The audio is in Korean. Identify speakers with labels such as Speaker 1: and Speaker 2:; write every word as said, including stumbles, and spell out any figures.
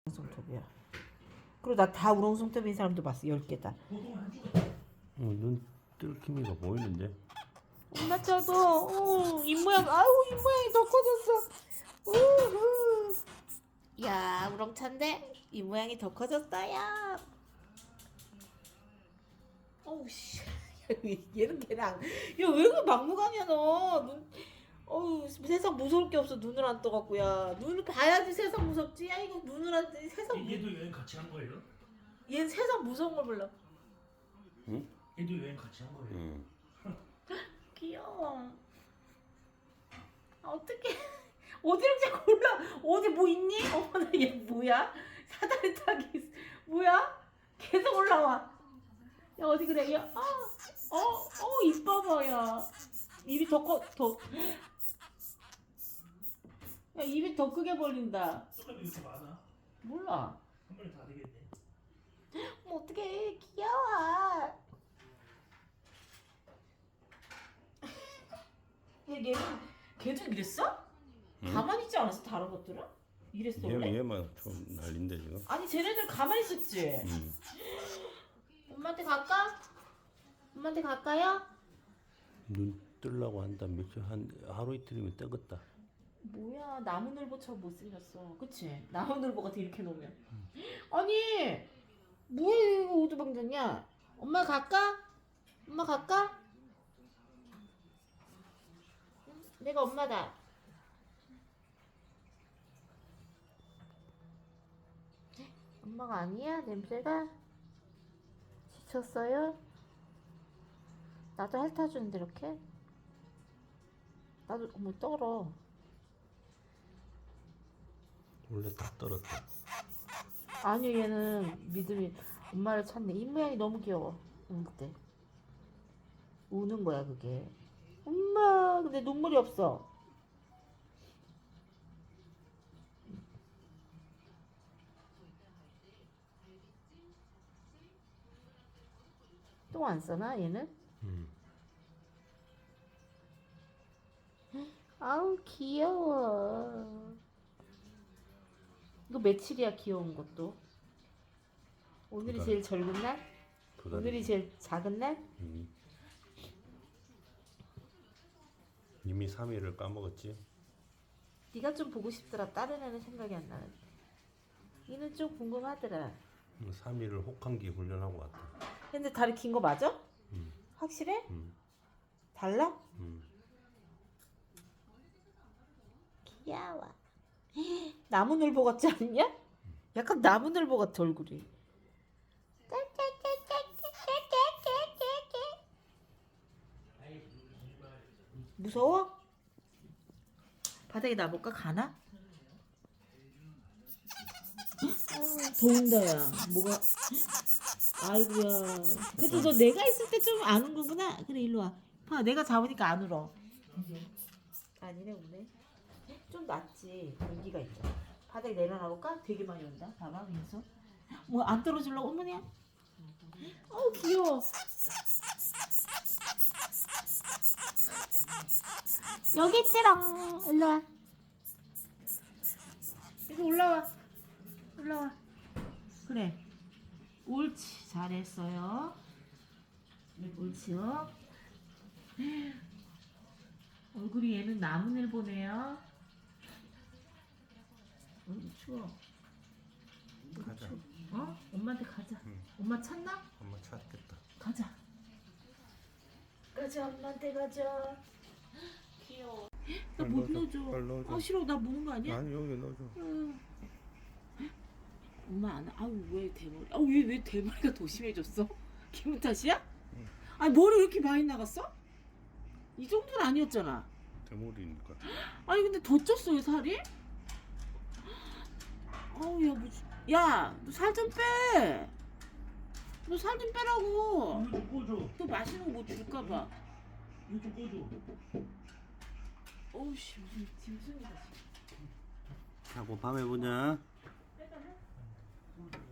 Speaker 1: 우렁송톱이야. 그리고 나 다 우렁송톱인 사람도 봤어. 열 개다.
Speaker 2: 어, 눈 뜰기미가 보이는데.
Speaker 1: 엄마 저도 어, 입모양 아우 입모양이 더 커졌어. 우후. 야 우렁찬데 입모양이 더 커졌어요. 어우 씨. 얘는 걔랑 야왜 그 막무가내야 너. 눈 어우 세상 무서울 게 없어. 눈을 안 떠갖고 야 눈을 봐야지 세상 무섭지. 야 이거 눈을 안 뜨. 세상 무...
Speaker 3: 얘도 여행 같이 한 거예요?
Speaker 1: 얘는 세상 무서운 걸 몰라.
Speaker 2: 응?
Speaker 3: 얘도 여행 같이 한 거예요?
Speaker 2: 응.
Speaker 1: 귀여워. 아, 어떡해. 어디로 자꾸 올라? 어디 뭐 있니? 어머나 얘 뭐야? 사다리 타기 있어. 뭐야? 계속 올라와. 야 어디 그래? 야, 아, 어, 어, 입 봐봐 야. 입이 더 커, 더. 야 입이 더 크게 벌린다.
Speaker 3: 조금 이렇게 많아?
Speaker 1: 몰라.
Speaker 3: 한 번에 다 되겠네.
Speaker 1: 뭐 어떡해 귀여워. 얘 얘는 걔도 이랬어?
Speaker 2: 응?
Speaker 1: 가만히 있지 않았어 다른 것들은? 이랬어 원래?
Speaker 2: 얘, 얘만 좀 난린데 지금.
Speaker 1: 아니 쟤네들 가만히 있었지?
Speaker 2: 응.
Speaker 1: 엄마한테 갈까? 엄마한테 갈까요?
Speaker 2: 눈 뜨려고 한다. 며칠 한 하루 이틀이면 뜨겠다.
Speaker 1: 뭐야 나무늘보처럼 못생겼어 그치? 나무늘보 같아 이렇게 놓으면 아니 뭐야 이거 오두방전이야. 엄마 갈까? 엄마 갈까? 응? 내가 엄마다. 엄마가 아니야? 냄새가? 지쳤어요? 나도 핥아주는데 이렇게? 나도 어머 떨어.
Speaker 2: 원래 다 떨었다.
Speaker 1: 아니요 얘는 믿음이 엄마를 찾네. 입 모양이 너무 귀여워. 응 그때 우는 거야 그게. 엄마 근데 눈물이 없어. 똥 안 싸나 얘는?
Speaker 2: 응.
Speaker 1: 아우 귀여워. 이거 며칠이야 귀여운 것도? 오늘이
Speaker 2: 두 달.
Speaker 1: 제일 젊은 날?
Speaker 2: 두 달이.
Speaker 1: 오늘이 제일 작은 날?
Speaker 2: 응. 이미 삼 일을 까먹었지.
Speaker 1: 네가 좀 보고 싶더라. 다른 애는 생각이 안 나는데 얘는 좀 궁금하더라.
Speaker 2: 삼 일을 혹한기 훈련하고 왔다.
Speaker 1: 근데 다리 긴 거 맞아?
Speaker 2: 응.
Speaker 1: 확실해?
Speaker 2: 응.
Speaker 1: 달라?
Speaker 2: 응.
Speaker 1: 귀여워. 나무늘보 같지 않냐? 약간 나무늘보 같아 얼굴이. 무서워? 바닥에 놔볼까? 가나? 아, 더운다 야. 뭐가 아이고야. 그래도 너 내가 있을 때 좀 아는 거구나. 그래 일로 와. 봐 내가 잡으니까 안 울어. 아니네 우네. 좀 낫지. 공기가 있잖아. 바닥에 내려놔볼까? 되게 많이 온다. 봐봐 위에서. 뭐 안 떨어질라고 어머니야? 어우 귀여워. 여기 있지롱. 일로 와. 여기 올라와. 올라와. 그래. 옳지. 잘했어요. 옳지요. 얼굴이 얘는 나무늘보네요. 어, 추워.
Speaker 2: 가자.
Speaker 1: 추워. 어? 엄마한테 가자.
Speaker 2: 응.
Speaker 1: 엄마 찾나?
Speaker 2: 엄마 찾겠다.
Speaker 1: 가자. 가자 엄마한테 가자. 귀여워. 나 못
Speaker 2: 빨리 넣어줘,
Speaker 1: 넣어줘.
Speaker 2: 빨리 넣어줘.
Speaker 1: 아 싫어. 나 무는 거 아니야?
Speaker 2: 아니 여기 넣어줘.
Speaker 1: 응. 엄마 안. 아우 왜 대머리? 아우 왜 왜 대머리가 더 심해졌어? 기분 탓이야?
Speaker 2: 응.
Speaker 1: 아니 머리 왜 이렇게 많이 나갔어? 이 정도는 아니었잖아.
Speaker 2: 대머리니까.
Speaker 1: 아니 근데 더 쪘어요 살이? 아우 야 무슨 야너 살 좀 빼. 너 살 좀 빼라고.
Speaker 3: 이거 좀 꺼줘.
Speaker 1: 또 맛있는 거 뭐 줄까봐.
Speaker 3: 이거 좀 꺼줘.
Speaker 1: 어우씨 무슨 짐승이다 지금.
Speaker 2: 자고 밤에 보자.
Speaker 1: 빼달래?